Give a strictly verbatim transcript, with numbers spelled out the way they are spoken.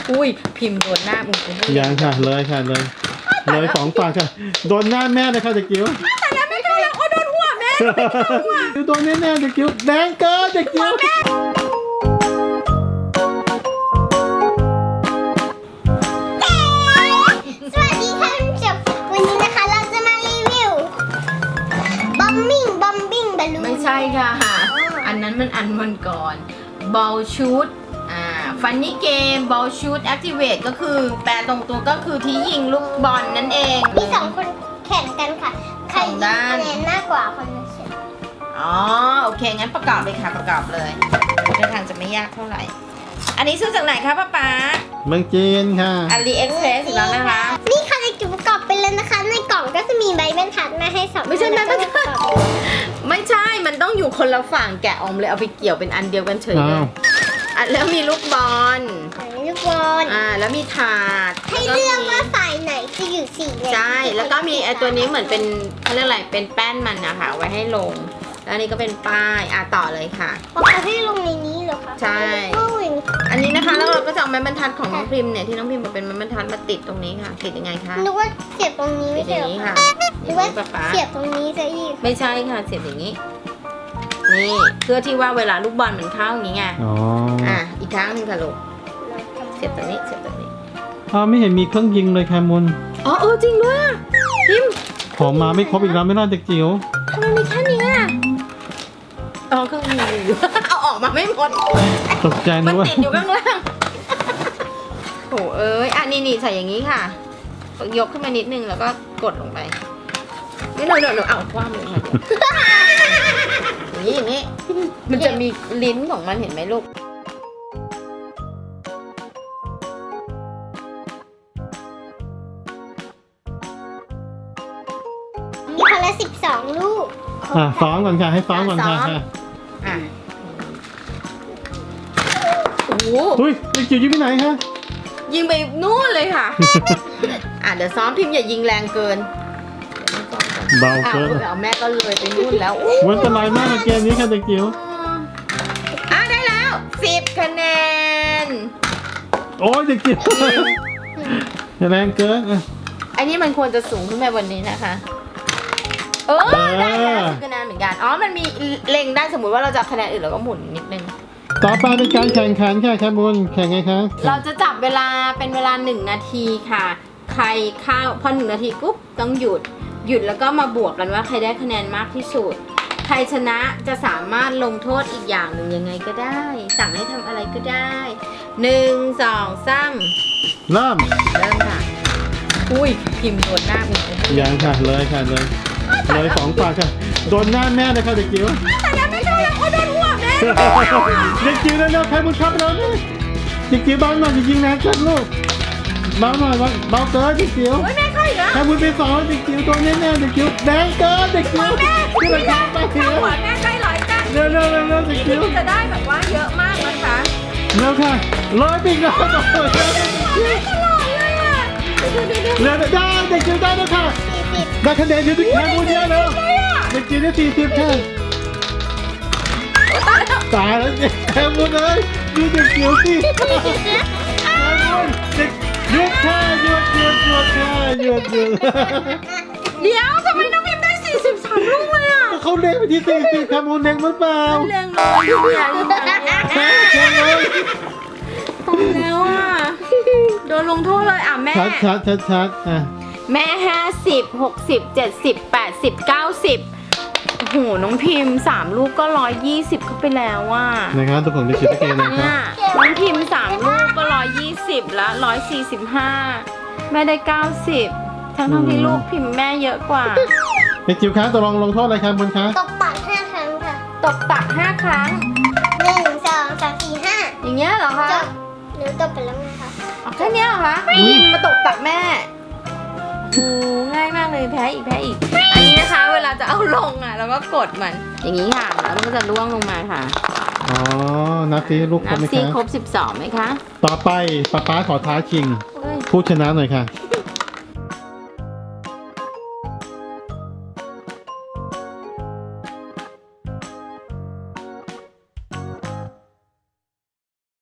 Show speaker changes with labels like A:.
A: อุ้ยพิมพ์โดนหน้ามึง
B: ยังค่ะเลยค่ะเลยเลยสองฝั่งค่ะโดนหน้าแม่เลยค่ะเด็กจิ๋ว
A: แต่แล้วไม่เข้าแล้วโอ้โดนหัวแม่
B: โดนแน่ๆเด็กจิ๋วแดงเกินเด็กจิ๋ว
C: สวัสดีค่ะท่านผู้ชมวันนี้นะคะเราจะมารีวิวบอมบิ้งบอมบิ้งบอลลูน
A: ไม่ใช่ค่ะอันนั้นมันอันวันก่อนบอลชูตอ่าฟันนี่เกมบอลชูตแอคทีเวตก็คือแปลตรงตัวก็คือที่ยิงลูกบอลนั่นเอง
C: มีสองคนแข่งกันค่ะใครยิงคะแนนมากกว่าคนนั้นชนะ
A: อ๋อโอเคงั้นประกอบเลยค่ะประกอบเลยท่าทางจะไม่ยากเท่าไหร่อันนี้ซื้อจากไหนคะป้าป๊า
B: เมืองจีนค่ะ
A: อาลีเอ็กเพรสอีกแล้วนะคะ
C: นี่ค่ะในจุดประกอบไปเลยนะคะ ในกล่องก็จะมีใบบรรทัดมาให้สอง
A: ไม่ใช่
C: อั
A: ใบบรรทัด
C: แล้วก็ประกอบ
A: ไม่ใช่มันต้องอยู่คนละฝั่งแกะออกมาเลยเอาไปเกี่ยวเป็นอันเดียวกันเฉยเล
B: อ้าวย
A: อ่ะแล้วมีลูกบอล
C: อันนี้ลูกบอล
A: อ่าแล้วมีถาด
C: ให้เลือกว่าสายไหนจะอยู่สีไหน
A: ใช่แล้วก็มีไอตัวนี้เหมือนเป็นเขาเรียกอะไรเป็นแป้นมันนะคะเอาไว้ให้ลงแล้วอันนี้ก็เป็นป้ายอ่ะต่อเลยค่ะ
C: เอาให้ลงในนี้เหรอคะ
A: ใช่
C: โอ้ย
A: อันนี้นะคะแล้วเราก็จะเอาไม้บรรทัดของน้องพิมพ์เนี่ยที่น้องพิมพ์บอกเป็นไม้บรรทัดมาติดตรงนี้ค่ะติดยังไงคะ
C: นึกว่าเสียบตรงนี้
A: ติ
C: ไม่
A: ดอ
C: ใช่
A: ย่า
C: เหรง อ
A: นี้
C: คะ
A: ค่ะ
C: นึกว่า
A: ป๊าป๊า
C: เสียบตรงนี้ซะอีก
A: ไม่ใช่ค่ะเสียบอย่างนี้นี่เพื่อที่ว่าเวลาลูกบอลมันเข้าอย่างนี้ไง
B: อ๋อ
A: อ่ะอีกครั้งหนึงค่ะลูกเสียบตรงนี้เสียบตรงนี้
B: อ้าวไม่เห็นมีเครื่องยิงเลยแคมุน
A: อ๋อเออจริงด้วยอ่ะพิมพ์
B: ของมาไม่ครบอีกแล้วไม่น่าเด็กจิ๋ว
A: ทำไมมีแค่นี้อ่ะอ๋อเครื่องมืออยู่ เอาออกมาไม่หมด
B: ตกใจ
A: มั
B: นึ
A: น
B: กว่า
A: ติดอยู่ข้างล่างโถเอ้ยอ่ะนี่นี่ใส่อย่างนี้ค่ะ ยกขึ้นมานิดนึงแล้วก็กดลงไปไม่หนูหนูหนูเอาคว้ามือค่ะอย่างนี้อย่างนี้ มันจะมีลิ้นของมันเห็นไหมลูก
C: มีคนละสิบสองลูก
B: อ่ะซ้อมก่อนค่ะให้ซ้อมก่อนค่ะ
A: ซ้อม
B: ค่ะ
A: อ่ะโอ้โห
B: อุ้ยเด็กจิ๋วยิงไปไหนคะ
A: ยิงไปนู่นเลยค่ะ อ่ะเดี๋ยวซ้อมพิมพ์อย่ายิงแรงเกินเดี๋ยวไม่ซ้อมก่อน
B: เบา
A: อ้าว
B: เกิน
A: เอาแม่ก็เลยไปนู่นแล้ว
B: มันอันตรายมากในเกมนี้ค่ะเด็กจิ๋ว
A: อ่ะได้แล้วสิบคะแนน
B: โอ้ยเด็กจิ๋วแรงเกินอ่ะ
A: อันนี้มันควรจะสูงขึ้นไปบนนี้นะคะ เออได้แล้วสิบคะแนนเหมือนกัน อ๋อ มันมีเล็งได้สมมุติว่าเราจะคะแนนอื่นเราก็หมุนนิดนึง
B: ต่อไปเป็นการแข่งขันค่ะแคมุนแข่งไงคะ
A: เราจะจับเวลาเป็นเวลาหนึ่งนาทีค่ะ ใครเข้าพอหนึ่งนาทีปุ๊บต้องหยุด หยุดแล้วก็มาบวกกันว่าใครได้คะแนนมากที่สุด ใครชนะจะสามารถลงโทษอีกอย่างหนึ่งยังไงก็ได้ สั่งให้ทำอะไรก็ได้หนึ่งสองสาม
B: เริ่ม
A: เริ่มค่ะ อุ้ยพิมพ์โดนหน้ามึง
B: ยังค่ะเลยค่ะเลยเลยสองฝั่งค่ะโดนหน้าแม่เลยค่ะเด็กจิ๋ว
A: แต่แล้วไม่เข้าแล้วโอ้โดนหัวแม่
B: เด็กจิ๋วเร็วๆใครบุญครับเราเนี่ยเด็กจิ๋วเบาหน่อยจะยิงแรงเกินลูกเบาหน่อยเบาเกินเด็กจิ๋ว
A: โอ้ยแม่เข้าอีกแล้ว
B: ใครบุญไปสองเด็กจิ๋วตัวแน่ๆเด็กจิ๋วแดงเกินเด็กจิ๋วที่เราทำไปเถ
A: เข้า
B: อะ
A: หัวแม่ใกล้ร้อยกัน
B: เร็วๆเร็วๆเร็วๆเด็กจิ๋ว
A: จะได้แบบว่าเยอะมากนะคะ
B: เร็วค่ะร้อยปีกแล้วต่อไปเร็ว
A: ตลอดเลยอ่ะดูดูดู
B: เร็วได้เด็กจิ๋วได้แล้วค่ะ
C: สี่สิบ
B: ได้คะแนนอยู่ที่แค่บุญเยอะแล้วเด็กจิ๋วได้สี่สิบค่ะ ตายแล้วเนี่ยแคมุนเลยดูเด็กจิ๋วสิแคมุนเด็กหยุดค่ะหยุดหยุดหยุดค่ะหยุดหยุด
A: เดี๋ยวทำไมน้องพิมพ์ได้สี่สิบสามลูกเลยอ่ะ
B: ก็เขาเล็งไปที่สี่สิบแคมุนเล็งมันเปล่า
A: เรื่องน้อยที่เนี่ยลูกแบบเนี้ย
B: แค่แค่เลย
A: ตายแล้วอ่ะโดนลงโทษเลยอ่ะแม่
B: ชัดชัดชัดชัดอ่ะ
A: แม่ห้าสิบหกสิบเจ็ดสิบแปดสิบเก้าสิบโอ้โหน้องพิมพ์สามลูกก็ร้อยยี่สิบเข้าไปแล้วว่ะ
B: นะครับทุกคนไปคิดตะเกียงนะค
A: เนี่
B: รั
A: ย
B: บ
A: น้องพิมพ์สามลูกก็ร้อยยี่สิบแล้วร้อยสี่สิบห้าแม่ได้เก้าสิบทั้งทั้งที่ลูกพิมพ์แม่เยอะกว่า
B: เด็กจิ๋วคะตกลงลงโทษอะไรครับคุณคะ
C: ตบปากห้าครั้งค่ะ
A: ตบตักห้าครั้ง
C: หนึ่งสองสามสี่ห้า
A: อย่างเงี้ยเหรอคะ
C: จบหนูตบไปแล้วนะคะ
A: อ๋อแค่เนี้ยเหรอคะพิมพ์มาตบตักแม่โอ้ง่ายมากเลยแพ้อีกแพ้อีก อันนี้นะคะ เวลาจะเอาลงอ่ะเราก็กดมัน อย่างนี้ค่ะแล้วมันก็จะล่วงลงมาค่ะ
B: อ๋อนับซิลูกคร
A: นั
B: บบ ไหม
A: ซี
B: คะ
A: ครบสิบสองไหมคะ
B: ต่อไปป๊าป๊าขอท้าชิง
A: เฮ้ย
B: ผู้ชนะหน่อยค่ะ